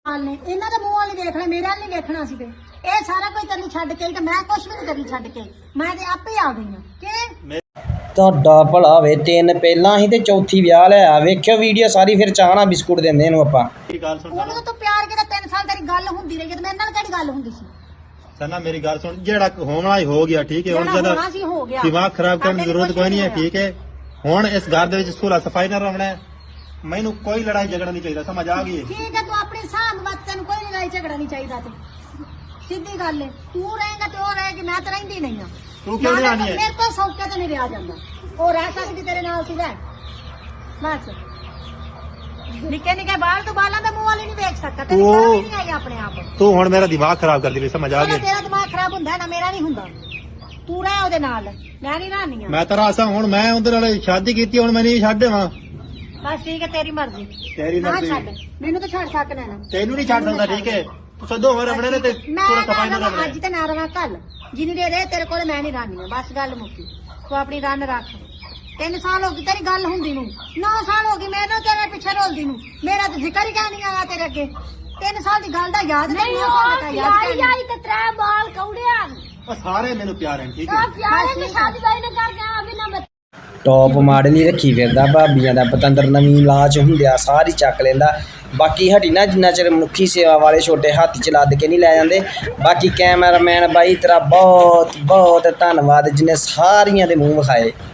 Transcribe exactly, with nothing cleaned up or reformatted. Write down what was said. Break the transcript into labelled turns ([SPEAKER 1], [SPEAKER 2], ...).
[SPEAKER 1] ਨੇ ਇਹਨਾਂ ਦੇ ਮੂੰਹ ਵਾਲੀ ਦੇਖਣਾ, ਮੇਰੇ ਵਾਲ ਨਹੀਂ ਦੇਖਣਾ ਸੀ। ਤੇ ਇਹ ਸਾਰਾ ਕੁਝ ਤੈਨੂੰ ਛੱਡ ਕੇ ਤੇ ਮੈਂ ਕੁਛ ਵੀ ਨਹੀਂ ਕਰੀ ਛੱਡ ਕੇ, ਮੈਂ ਤੇ ਆਪੇ ਆ ਗਈ ਹਾਂ ਕਿ
[SPEAKER 2] ਤੁਹਾਡਾ ਭਲਾ ਵੇ। ਤਿੰਨ ਪਹਿਲਾਂ ਹੀ ਤੇ ਚੌਥੀ ਵਿਆਹ ਲਿਆ। ਵੇਖਿਓ ਵੀਡੀਓ ਸਾਰੀ, ਫਿਰ ਚਾਹ ਨਾਲ ਬਿਸਕੁਟ ਦਿੰਦੇ ਇਹਨੂੰ ਆਪਾਂ।
[SPEAKER 1] ਉਹਨੂੰ ਤਾਂ ਤੂੰ ਪਿਆਰ ਕੀਤਾ, ਤਿੰਨ ਸਾਲ ਤੇਰੀ ਗੱਲ ਹੁੰਦੀ ਰਹੀ ਤੇ ਮੇਰੇ ਨਾਲ ਕਿਹੜੀ ਗੱਲ ਹੁੰਦੀ ਸੀ?
[SPEAKER 3] ਸਨਾ ਮੇਰੀ ਗੱਲ ਸੁਣ, ਜਿਹੜਾ ਹੋਣ ਵਾਲਾ ਹੀ ਹੋ ਗਿਆ, ਠੀਕ ਹੈ। ਹੁਣ ਜਦੋਂ ਦਿਮਾਗ ਖਰਾਬ ਕਰਨ ਦੀ ਜ਼ਰੂਰਤ ਕੋਈ ਨਹੀਂ ਹੈ, ਠੀਕ ਹੈ। ਹੁਣ ਇਸ ਘਰ ਦੇ ਵਿੱਚ ਸੁਲਾ ਸਫਾਈ ਨਾਲ ਰਹਿਣਾ ਹੈ, ਮੈਨੂੰ ਕੋਈ ਲੜਾਈ ਝਗੜਾ ਨਹੀਂ ਚਾਹੀਦਾ, ਸਮਝ ਆ ਗਈ?
[SPEAKER 1] ਠੀਕ ਹੈ, ਤੂੰ ਆਪਣੀ ਸਾਂਭ ਬਾਤ, ਤੈਨੂੰ ਕੋਈ ਲੜਾਈ ਝਗੜਾ ਨਹੀਂ ਚਾਹੀਦਾ। ਤੇ ਸਿੱਧੀ ਗੱਲ ਹੈ, ਤੂੰ ਰਹੇਗਾ ਤੇ ਉਹ ਰਹੇਗੀ, ਮੈਂ ਤਾਂ ਰਹਿੰਦੀ ਨਹੀਂ ਆ।
[SPEAKER 3] ਤੂੰ ਕਿਉਂ ਨਹੀਂ ਆਣੀ ਹੈ?
[SPEAKER 1] ਮੇਰੇ ਕੋਲ ਸੌਕੇ ਤੇ ਨਹੀਂ ਰਿਹਾ ਜਾਂਦਾ, ਉਹ ਰਹਿ ਸਕਦੀ ਤੇਰੇ ਨਾਲ ਸੀ। ਲੈ ਬਸ ਨਿੱਕੇ ਨਿੱਕੇ ਬਾਲ ਤੋਂ ਬਾਲਾਂ ਦੇ ਮੂੰਹ ਵਾਲੀ ਨਹੀਂ ਵੇਖ ਸਕਦਾ, ਤੈਨੂੰ ਪਤਾ ਵੀ ਨਹੀਂ ਆਈ ਆਪਣੇ ਆਪ।
[SPEAKER 3] ਤੂੰ ਹੁਣ ਮੇਰਾ ਦਿਮਾਗ ਖਰਾਬ ਕਰਦੀ ਰਹੀ, ਸਮਝ ਆ ਗਈ?
[SPEAKER 1] ਤੇਰਾ ਦਿਮਾਗ ਖਰਾਬ ਹੁੰਦਾ ਨਾ, ਮੇਰਾ ਨਹੀਂ ਹੁੰਦਾ। ਤੂੰ ਰਹਿ ਉਹਦੇ ਨਾਲ, ਮੈਂ ਨਹੀਂ ਰਹਿਣੀ ਆ।
[SPEAKER 3] ਮੈਂ ਤਾਂ ਰਾਸਾ ਹੁਣ ਮੈਂ ਉਹਦੇ ਨਾਲ ਸ਼ਾਦੀ ਕੀਤੀ, ਹੁਣ ਮੈਂ ਨਹੀਂ ਛੱਡ ਦੇਵਾਂ।
[SPEAKER 1] ਬਸ ਠੀਕ ਹੈ, ਤੇਰੀ ਮਰਜ਼ੀ।
[SPEAKER 3] ਤੇਰੀ
[SPEAKER 1] ਨਾ
[SPEAKER 3] ਮਰਜ਼ੀ।
[SPEAKER 1] ਛੱਡ ਮੈਨੂੰ ਤਾਂ ਛੱਡ ਸਕਣਾ ਨਾ,
[SPEAKER 3] ਤੈਨੂੰ ਨਹੀਂ ਛੱਡ ਸਕਦਾ, ਠੀਕ ਹੈ। ਤੂੰ ਸਦੋ ਹੋ ਰਬਣੇ ਨੇ ਤੇ ਪੂਰਾ ਸਫਾਈ ਨਾਲ
[SPEAKER 1] ਮੈਂ ਅੱਜ ਤੇ ਨਾ ਰਵਾਂ ਕੱਲ, ਜਿੰਨੀ ਦੇ ਦੇ ਤੇਰੇ ਕੋਲ ਮੈਂ ਨਹੀਂ ਰਹਿਣੀ ਆ। ਬਸ ਗੱਲ ਮੁੱਕੀ, ਤੂੰ ਆਪਣੀ ਰੰਨ ਰੱਖ। ਤਿੰਨ ਸਾਲ ਹੋ ਗਏ ਤੇਰੀ ਗੱਲ ਹੁੰਦੀ ਨੂੰ, ਨੌ ਸਾਲ ਹੋ ਗਏ ਮੈਂ ਨਾ ਤੇਰੇ ਪਿੱਛੇ ਰੋਲਦੀ ਨੂੰ, ਮੇਰਾ ਤਾਂ ਜ਼ਿਕਰ ਹੀ ਨਹੀਂ ਆਇਆ ਤੇਰੇ ਅੱਗੇ। ਤਿੰਨ ਸਾਲ ਦੀ ਗੱਲ ਦਾ ਯਾਦ ਨਹੀਂ, ਨੌ ਸਾਲ ਦਾ ਯਾਦ ਨਹੀਂ ਆਈ ਤੇ ਤਰੇ ਬਾਲ ਕੌੜਿਆ।
[SPEAKER 3] ਉਹ ਸਾਰੇ ਮੈਨੂੰ ਪਿਆਰ ਹਨ, ਠੀਕ ਹੈ।
[SPEAKER 1] ਪਿਆਰੇ ਦੀ ਸ਼ਾਦੀ ਬਾਈ ਨੇ ਕਰ ਗਿਆ ਅਭੀ ਨਾ
[SPEAKER 2] ਟੌਪ ਮਾਡਲ ਹੀ ਰੱਖੀ ਫਿਰਦਾ ਭਾਬੀਆਂ ਦਾ ਪਤੰਦਰ। ਨਵੀਂ ਲਾਚ ਹੁੰਦਿਆ ਸਾਰੀ ਚੱਕ ਲੈਂਦਾ। ਬਾਕੀ ਹਟੀ ਨਾ, ਜਿੰਨਾ ਚਿਰ ਮਨੁੱਖੀ ਸੇਵਾ ਵਾਲੇ ਛੋਟੇ ਹੱਥ ਚ ਲੱਦ ਕੇ ਨਹੀਂ ਲੈ ਜਾਂਦੇ। ਬਾਕੀ ਕੈਮਰਾਮੈਨ ਬਾਈ ਤੇਰਾ ਬਹੁਤ ਬਹੁਤ ਧੰਨਵਾਦ, ਜਿਹਨੇ ਸਾਰੀਆਂ ਦੇ ਮੂੰਹ ਵਿਖਾਏ।